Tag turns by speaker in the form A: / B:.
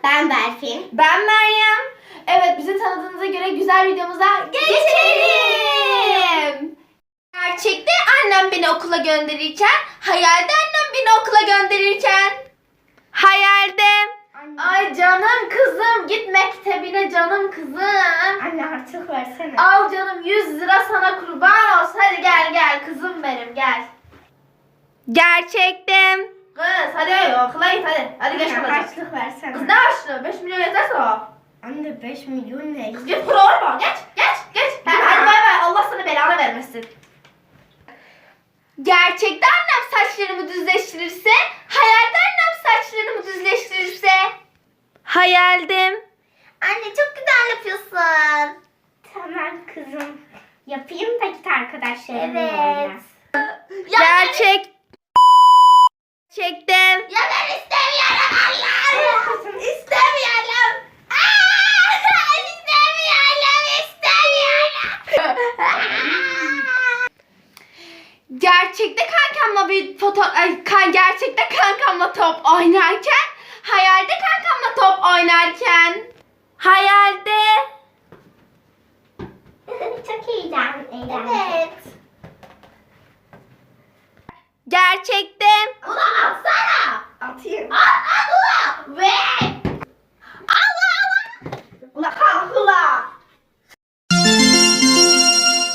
A: Ben Berfin.
B: Ben Meryem. Evet, bizi tanıdığınıza göre güzel videomuza geçelim. Gerçekte annem beni okula gönderirken, hayalde annem beni okula gönderirken. Hayalde. Ay canım kızım, git mektebine canım kızım.
A: Anne artık versene.
B: Al canım, 100 lira sana kurban olsun. Hadi gel kızım benim, gel. Gerçekten. Kız hadi okula git hadi. Hadi geç
A: Anne
B: kalacağız.
A: harçlık versene.
B: Kız ne harçlığı? 5 milyon yeterse o.
A: Anne 5 milyon ne?
B: Kız git kuru olma. Geç. Hadi bay bay. Allah sana belanı vermesin. Gerçekte annem saçlarımı düzleştirirse, hayalde annem saçlarımı düzleştirirse. Hayaldim.
A: Anne çok güzel yapıyorsun. Tamam kızım. Yapayım da git arkadaşlarımla oyna.
B: Gerçekten.
A: Ya ben istemiyorum Allah'ım. İstemiyorum.
B: Gerçekte kankamla bir gerçekte kankamla top oynarken, hayalde kankamla top oynarken. Hayalde.
A: Çok eğlenceli. Evet.
B: Gerçekte.
A: Ulan atsana. Atayım.
B: At